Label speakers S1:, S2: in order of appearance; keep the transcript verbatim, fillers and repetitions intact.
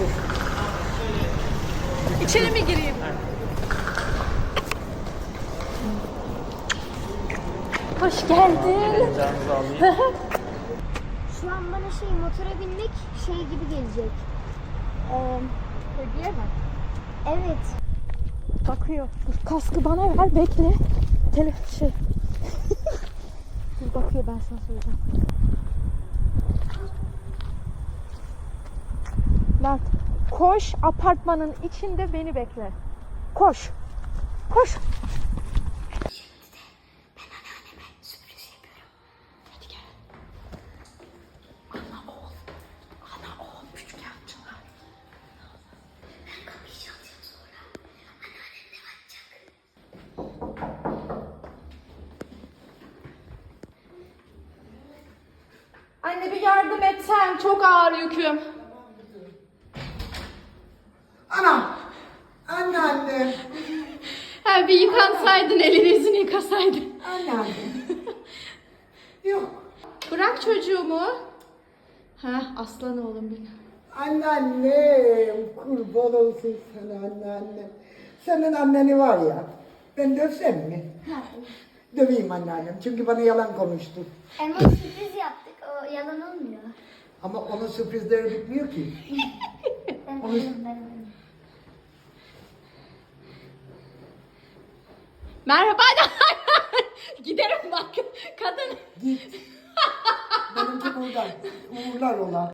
S1: İçeri mi gireyim? Hoş geldin.
S2: Canınızı alayım.
S3: Şu an bana şey motora binmek şey gibi gelecek. Ee,
S1: Hediye mi?
S3: evet.
S1: Bakıyor. Dur, kaskı bana ver, bekle. Tele şey. Dur bakıyor, ben sana söyleyeceğim. Mert, koş, apartmanın içinde beni bekle. Koş. Koş. Anne bir yardım etsen, çok ağır yüküm.
S4: Anam! Anneanne!
S1: Ha, bir yıkansaydın, elini yüzünü yıkasaydın.
S4: Anneanne! Yok.
S1: Bırak çocuğumu. Ha, aslan oğlum benim.
S4: Anneannem! Kurban olsun sana anneannem. Senin anneni var ya, ben dövsem mi? Döveyim anneannem çünkü bana yalan konuştu.
S3: Ama sürpriz yaptık. O yalan olmuyor.
S4: Ama onun sürprizleri bitmiyor ki.
S3: Ben
S4: Onu-
S3: biliyorum, ben biliyorum.
S1: Merhaba. Giderim bak. Kadın.
S4: Git. Benimki burada. Uğurlar ola.